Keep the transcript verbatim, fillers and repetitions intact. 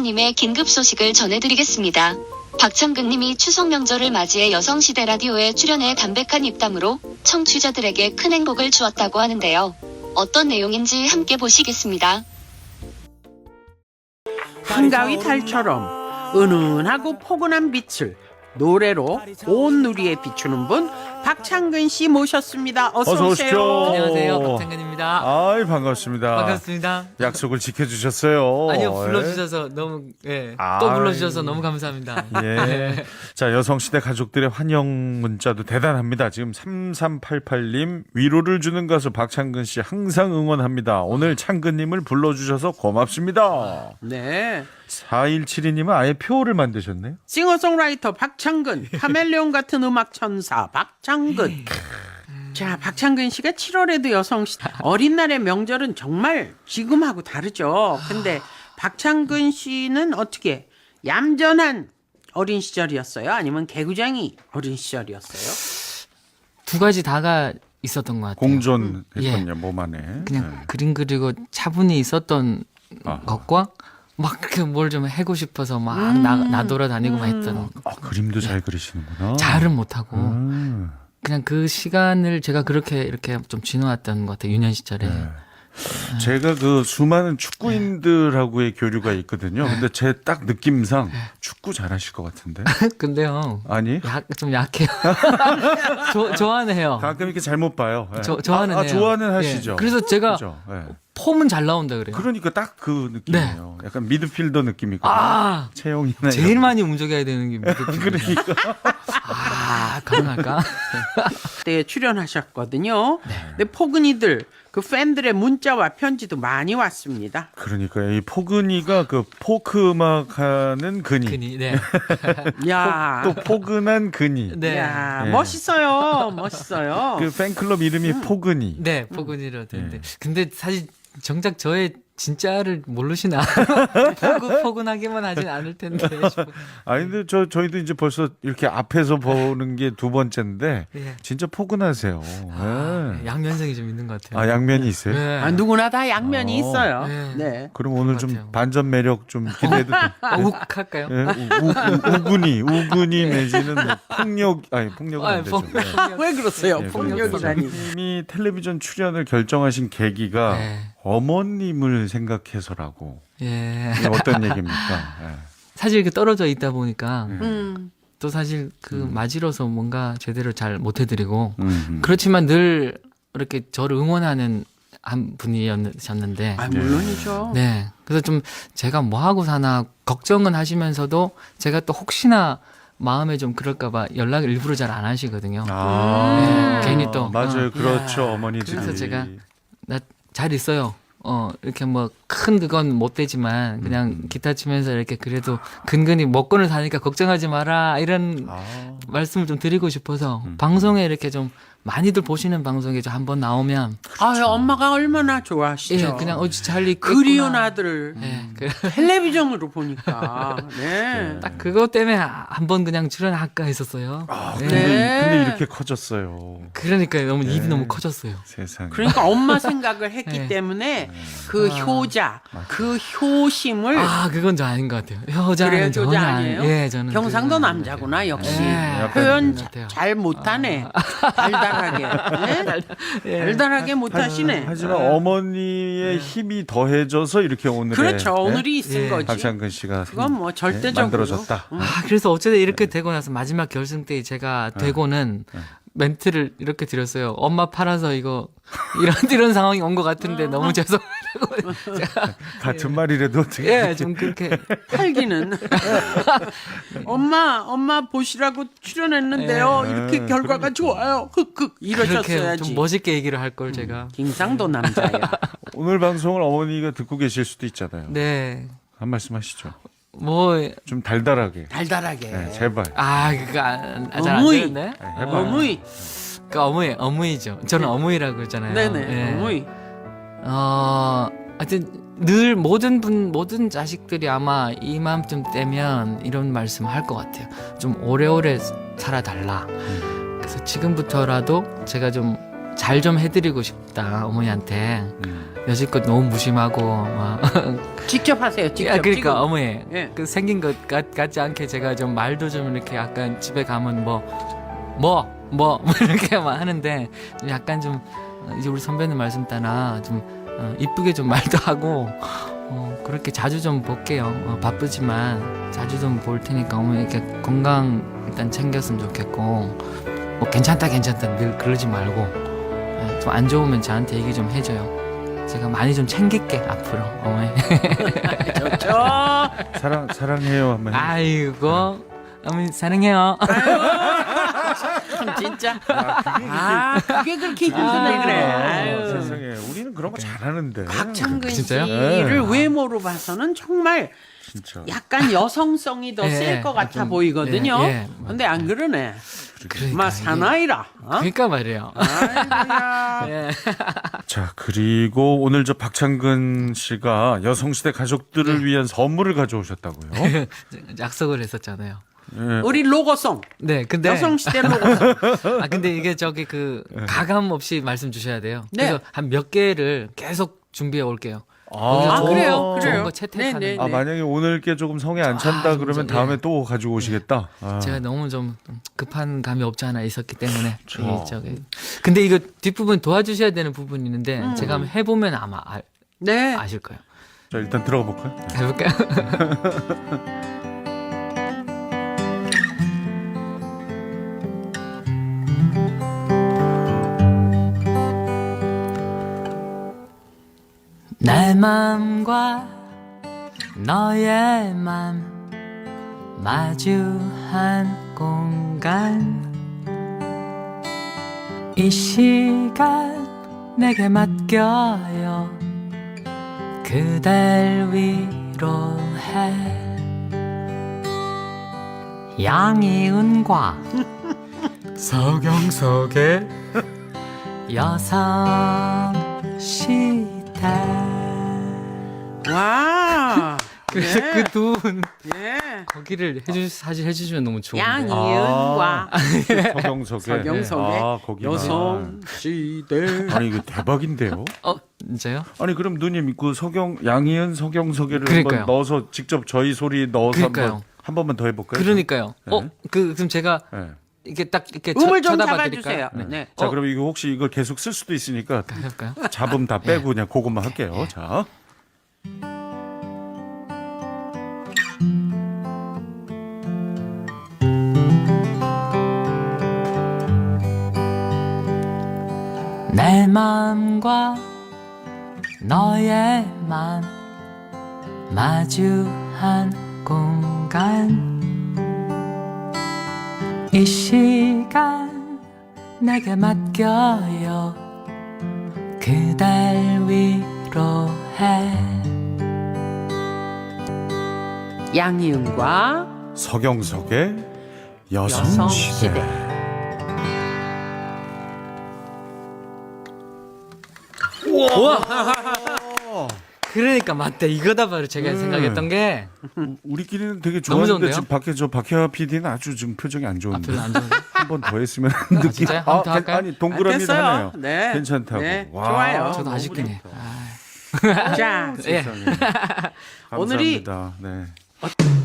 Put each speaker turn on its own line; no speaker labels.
박창근님의 긴급 소식을 전해드리겠습니다. 박창근님이 추석 명절을 맞이해 여성시대 라디오에 출연해 담백한 입담으로 청취자들에게 큰 행복을 주었다고 하는데요. 어떤 내용인지 함께 보시겠습니다.
한가위 달처럼 은은하고 포근한 빛을 노래로 온 누리에 비추는 분 박창근 씨 모셨습니다. 어서,
어서
오세요.
오십시오.
안녕하세요, 박창근입니다.
아이 반갑습니다.
반갑습니다.
약속을 지켜주셨어요.
아니요, 불러주셔서 너무, 예,
아이.
또 불러주셔서 너무 감사합니다.
예. 자, 여성시대 가족들의 환영 문자도 대단합니다. 지금 삼삼팔팔 님 위로를 주는 가수 박창근 씨 항상 응원합니다. 오늘 창근님을 불러주셔서 고맙습니다.
네.
사일칠이 님은 아예 표를 만드셨네요.
싱어송라이터 박창근, 카멜레온 같은 음악 천사 박창근. 자, 박창근 씨가 칠월에도 여성시대 어린 날의 명절은 정말 지금하고 다르죠. 근데 박창근 씨는 어떻게 얌전한 어린 시절이었어요? 아니면 개구쟁이 어린 시절이었어요?
두 가지 다가 있었던 것 같아요.
공존했군요,
예.
몸 안에.
그냥
네.
그림 그리고 차분히 있었던
아하.
것과 막 그 뭘 좀 해고 싶어서 막 나, 나돌아다니고만 했던.
아, 그림도 잘 그리시는구나.
잘은 못하고
음.
그냥 그 시간을 제가 그렇게 이렇게 좀 지나왔던 것 같아요. 유년 시절에.
네. 제가 그 수많은 축구인들하고의 교류가 있거든요. 근데 제 딱 느낌상 축구 잘하실 것 같은데.
근데요,
아니?
약, 좀 약해요. 조, 좋아는 해요.
가끔 이렇게 잘못 봐요. 예.
저, 좋아는
아, 아,
해요.
좋아는
예.
하시죠.
그래서 제가
그죠? 예.
폼은 잘 나온다 그래요.
그러니까 딱 그 느낌이에요. 약간 미드필더 느낌이거든요.
아,
채용이나
제일
이런
많이 움직여야 되는 게 미드필더.
그러니까.
아, 가능할까?
때 출연하셨거든요. 근데 포근이들 그 팬들의 문자와 편지도 많이 왔습니다.
그러니까 이 포근이가 그 포크 음악 하는 근이.
그니, 네.
야,
또 포근한 근이.
네.
야,
예.
멋있어요, 멋있어요.
그 팬클럽 이름이 포근이.
네, 포근이라 되는데.
예.
근데 사실 정작 저의 진짜를 모르시나? 포근, 포근하게만 하진 않을 텐데. 싶어요.
아니 근데 저 저희도 이제 벌써 이렇게 앞에서 보는 게 두 번째인데
예.
진짜 포근하세요.
아,
예.
양면성이 좀 있는 것 같아요.
아 양면이 있어요?
네.
아, 누구나 다 양면이
어.
있어요.
네.
네.
그럼 오늘
것
좀
같아요.
반전 매력 좀 기대도 돼.
아, 욱 할까요?
예? 우, 우, 우, 우군이 우군이 내지는 뭐 폭력 아니 폭력은
아,
안 되죠.
폭력.
예.
왜 그러세요?
예,
폭력이라니.
님이 텔레비전 출연을 결정하신 계기가
네.
어머님을 생각해서라고.
예.
이게 어떤 얘기입니까? 예.
사실 이렇게 떨어져 있다 보니까
음.
또 사실 그 맞이로서 뭔가 제대로 잘 못해드리고
음.
그렇지만 늘 이렇게 저를 응원하는 한 분이셨는데
아, 물론이죠.
네 그래서 좀 제가 뭐 하고 사나 걱정은 하시면서도 제가 또 혹시나 마음에 좀 그럴까봐 연락을 일부러 잘 안 하시거든요.
아,
네, 괜히 또,
맞아요.
어.
그렇죠.
야,
어머니들이.
그래서 제가 나 잘 있어요. 어 이렇게 뭐 큰 그건 못 되지만 그냥 기타 치면서 이렇게 그래도 근근히 먹고는 사니까 걱정하지 마라 이런
아,
말씀을 좀 드리고 싶어서
음.
방송에 이렇게 좀 많이들 보시는 방송에 좀 한번 나오면
아, 엄마가 얼마나 좋아하시죠.
예 그냥 어찌 잘 있겠구나.
그리운 아들을
예, 그,
텔레비전으로 보니까. 네.
딱 그것 때문에 한번 그냥 출연할까 했었어요.
아,
네.
근데,
네.
근데 이렇게 커졌어요.
그러니까 너무 입이
네.
너무 커졌어요.
세상에.
그러니까 엄마 생각을 했기
네.
때문에 그
아.
효자, 그 효심을
아 그건 저 아닌 것 같아요. 효자는
그래요?
전혀
효자
아니-
아니에요?
예, 저는
경상도
그건
남자구나
아닌 것
역시.
같아요. 예,
약간
표현
그런 것
자-
같아요.
잘 못하네. 달달하게. 네?
예.
달달하게 못하시네.
하지만 어머니의 힘이 더해져서 이렇게 오늘의
그렇죠.
네?
오늘이 있은
예.
거지.
박창근 씨가
그건 뭐
네,
절대적으로.
만들어졌다.
음.
아, 그래서 어쨌든 이렇게 되고 나서 마지막 결승 때 제가 되고는 멘트를 이렇게 드렸어요. 엄마 팔아서 이거 이런 이런 상황이 온 것 같은데 너무 죄송하다고. 제가
같은 말이라도 어떻게
예, 좀 그렇게
팔기는. 엄마, 엄마 보시라고 출연했는데요.
예.
이렇게
예,
결과가 좋아요. 흑흑
그렇게
이러셨어야지.
좀 멋있게 얘기를 할 걸 제가.
김상도 남자야.
오늘 방송을 어머니가 듣고 계실 수도 있잖아요.
네.
한 말씀 하시죠.
뭐
좀 달달하게.
달달하게.
네, 제발.
아, 그거 안- 아, 잘안
어머니.
되는데.
네, 해봐.
어머니.
그 어머니, 어머니죠. 저는 어머니라고 그러잖아요.
네네.
예.
어머니.
어, 하여튼 늘 모든 분 모든 자식들이 아마 이맘쯤 되면 이런 말씀 할 것 같아요. 좀 오래오래 살아달라. 그래서 지금부터라도 제가 좀 잘 좀 해드리고 싶다 어머니한테.
음.
여지껏 너무 무심하고 막.
직접 하세요. 직접.
야, 그러니까
지금.
어머니
예.
그 생긴 것 같, 같지 않게 제가 좀 말도 좀 이렇게 약간 집에 가면 뭐 뭐 뭐 뭐 이렇게 막 하는데 약간 좀 어, 이제 우리 선배님 말씀 따라 좀 어, 이쁘게 좀 말도 하고 어, 그렇게 자주 좀 볼게요. 어, 바쁘지만 자주 좀 볼 테니까 어머니 이렇게 건강 일단 챙겼으면 좋겠고 뭐 괜찮다 괜찮다 늘 그러지 말고 예, 좀 안 좋으면 저한테 얘기 좀 해줘요. 제가 많이 좀 챙길게 앞으로 어머니.
좋죠.
사랑 사랑해요 한번. 해.
아이고 어머니 사랑해요.
참 진짜.
아, 그게
아, 그게 그렇게 힘드네 그래. 아유.
세상에 우리는 그런 거 잘하는데.
박창근
진짜요?
씨를
네.
외모로 봐서는 정말
진짜.
약간 여성성이 더
예,
셀 것 같아
좀,
보이거든요.
예, 예.
근데 안 그러네.
그러니까
마
이게-
사나이라. 어?
그러니까 말이에요.
아이고야.
예.
자 그리고 오늘 저 박창근 씨가 여성시대 가족들을
네.
위한 선물을 가져오셨다고요?
약속을 했었잖아요.
예.
우리 로고송.
네, 근데
여성시대 로고송.
아 근데 이게 저기 그 가감 없이 말씀 주셔야 돼요.
네.
그래서 한 몇 개를 계속 준비해 올게요.
아,
좋은
그래요?
거,
그래요?
좋은 거 채택하는.
네, 네,
아 만약에 오늘 게 조금 성에 안 찬다
아,
그러면
진짜,
다음에
예.
또 가지고 오시겠다. 아.
제가 너무 좀 급한 감이 없지 않아 있었기 때문에
그렇죠.
이게 저기 근데 이거 뒷부분 도와주셔야 되는 부분이 있는데
음.
제가 한번 해보면 아마 아,
네.
아실 거예요.
자 일단 들어가 볼까요?
해볼까요? 내 맘과 너의 맘 마주한 공간 이 시간 내게 맡겨요 그댈 위로해 양이은과 서경석의 여성시대
와.
그래서
네.
그 두 분
예.
거기를 해주 사실 해주시면 너무 좋은데
양이은과
서경석의
서경석의
아, 거기
여성시대.
아니 이거 대박인데요.
어 진짜요?
아니 그럼 누님 그 서경 양희은 서경석이를
그러니까요.
한번 넣어서 직접 저희 소리 넣어서
그러니까요.
한번 한 번만 더 해볼까요?
그러니까요.
네.
어 그 그럼 제가
네.
이렇게 딱 이렇게
음을
쳐,
좀
쳐다봐
잡아주세요.
드릴까요?
네.
자
어.
그럼 이거 혹시 이걸 계속 쓸 수도 있으니까
해볼까요?
잡음 다 빼고 그냥 그것만 할게요. 자.
내 맘과 너의 맘 마주한 공간 이 시간 내게 맡겨요 그댈 위로해
양이은과
서경석의 여성시대.
여성시대.
그러니까 맞다 이거다 바로 제가
음.
생각했던 게
우리끼리는 되게
너무
좋았는데
좋은데요?
지금 밖에 저 박혜화 피디는 아주 지금 표정이 안
아,
좋은데
별로 안 좋은데
한 번 더 했으면 느낌.
진짜요? 한번더 할까요?
아니 동그라미를
됐어요.
하네요.
네.
괜찮다고.
네,
와,
좋아요.
저도
너무
아쉽긴 해
좋다.
아.
자,
예.
세상에.
오늘이-
감사합니다. 네.